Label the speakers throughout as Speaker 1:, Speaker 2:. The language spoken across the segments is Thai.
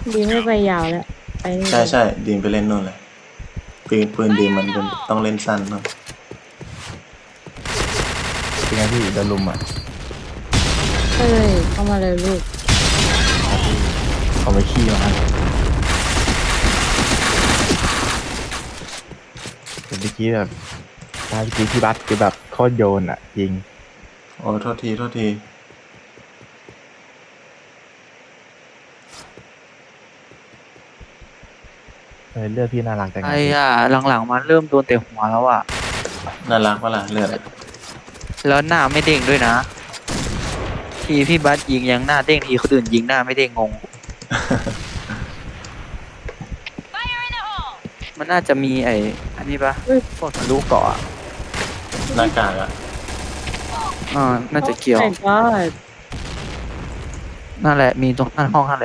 Speaker 1: ดีไม่ไปยาวแล้วไปนี่
Speaker 2: ใช่
Speaker 1: เลย
Speaker 2: ใช่ดีมไปเล่นนู่นเลยปืนดีมมันเป็นต้องเล่นสั้นเนาะ
Speaker 3: เป็นไงพี่โดนลุมอ่ะ
Speaker 1: เฮ้ยเข้ามาเลยลูก
Speaker 3: ครับพี่เขาไปขี้มาแต่เมื่อกี้แบบเมื่อกี้พี่บัสคือแบบโคตรโยนอ่ะจริง
Speaker 2: โอ้โทษทีโทษที
Speaker 3: เลือดพี่น่ารักจังไง
Speaker 4: ไอ้
Speaker 3: พี่
Speaker 4: อะหลังๆมันเริ่มโดนเตะหัวแล้วอะ
Speaker 2: น่ารักปะล่ะเลือดอะ
Speaker 4: แล้วหน้าไม่เด้งด้วยนะทีพี่บัสยิงยังหน้าเด้งทีคนอื่นยิงหน้าไม่เด้งงงมันน่าจะมีอันนี้ปะพวกทะลุเกาะอะ
Speaker 2: หน้ากากอะ
Speaker 4: น่าจะเกี่ยว
Speaker 1: โอ้ my god
Speaker 4: นั่นแหละมีตรงนั่นห้องนั่นแหละ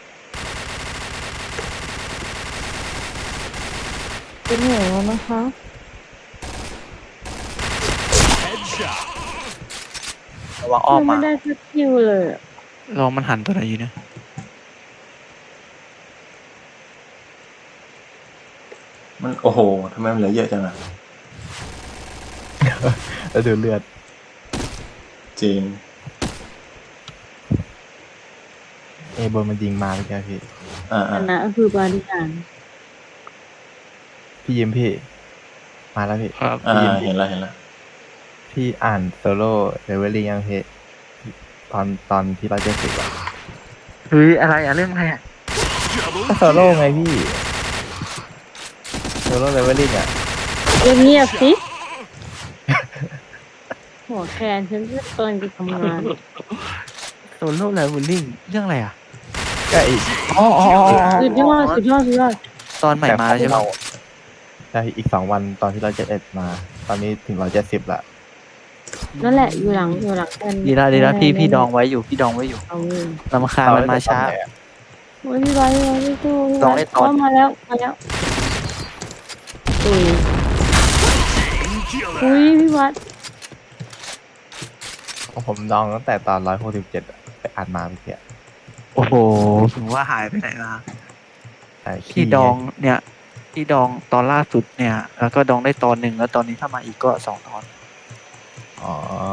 Speaker 1: เป็นหัวแล้วนะคะ
Speaker 4: ระวังอ้อม
Speaker 1: ยังไม่
Speaker 4: มา
Speaker 1: ได้สักคิวเลยอะ
Speaker 4: ลองมันหันตัวไหนอยู่นะ
Speaker 2: มันโอ้โหทำไมมันเหลือเยอะจังอะ
Speaker 3: แล้วดูเลือด
Speaker 2: จริง
Speaker 3: บนมันยิงมาเมื่อกี้พี่
Speaker 1: ชนะคือบาริการ
Speaker 3: พี่ยิ้มพี่มาแล้วพี่
Speaker 4: ครับ
Speaker 3: พี่ยิ้ม
Speaker 2: เห็นแล้วเห็นแล้ว
Speaker 3: พี่อ่านโซโล่เลเวลลิ่งยังพี่ตอนที่เราจะสิบอ่ะ
Speaker 4: เฮ้ยอะไรอะเรื่องอะไรอะ
Speaker 3: ก็โซโล่ไงพี่โซโล่เลเวลลิ่งอ่ะ
Speaker 1: เงียบๆสิหัวแคนฉันจะเกินจะทำงาน
Speaker 4: โซโล่ไลฟ์บูลลิ่งเรื่องอะไรอะ
Speaker 3: ก็อีก
Speaker 4: อ๋อ
Speaker 1: สุดยอดสุดยอดสุดยอด
Speaker 4: ตอนใหม่มาแล้วใช่ไหม
Speaker 3: ใช่อีก2 วันตอนที่เราจะเอ็ดมา ตอนนี้ถึง170ละ
Speaker 1: นั่นแหละอยู่หลังแคน
Speaker 4: ดีละพี่ดองไว้อยู่พี่ดองไว้อยู่
Speaker 1: เอาเงิน
Speaker 4: ลำคาญมันมาช้า
Speaker 1: โอ้ยพี่ไบร์ทพี่ตู้พี่
Speaker 4: ล
Speaker 1: ไบ
Speaker 4: อง
Speaker 1: ร์
Speaker 4: เล่
Speaker 1: ท
Speaker 4: นตอน
Speaker 1: มาแล้วอุ้ยพี่วัด
Speaker 3: ของผมดองตั้งแต่ตอน167อะไปอ่านมาเมื่อกี้
Speaker 4: โอ้โหถึงว่าหายไปไหนมา
Speaker 3: ใช่
Speaker 4: ที่ดองเนี่ยที่ดองตอนล่าสุดเนี่ย แล้วก็ดองได้ตอนหนึ่งแล้วตอนนี้ถ้ามาอีกก็2 ตอน
Speaker 3: อ๋อ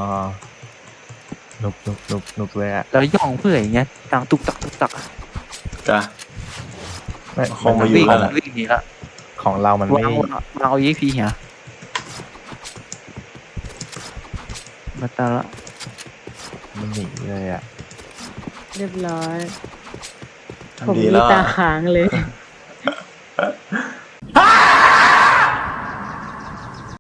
Speaker 3: นุกเลยอะ
Speaker 4: แล้วย่องเพื่ออย่างเงี้ยดังตุกตักตุกตักอะ
Speaker 2: กะ
Speaker 3: ไม่
Speaker 2: คงมาอยู่
Speaker 4: วิ่ง
Speaker 2: แล้วล่ะ
Speaker 4: วิ่งหนีละ
Speaker 3: ของเรามัน
Speaker 4: วา
Speaker 3: ไม่
Speaker 4: งเอายีพีเหียมาตาละ
Speaker 3: มันหนีเลยอะ
Speaker 1: เรียบร้อยผม
Speaker 2: ทำดี
Speaker 1: มี
Speaker 2: แล้ว
Speaker 1: ตา
Speaker 2: อะ
Speaker 1: ค้างเลย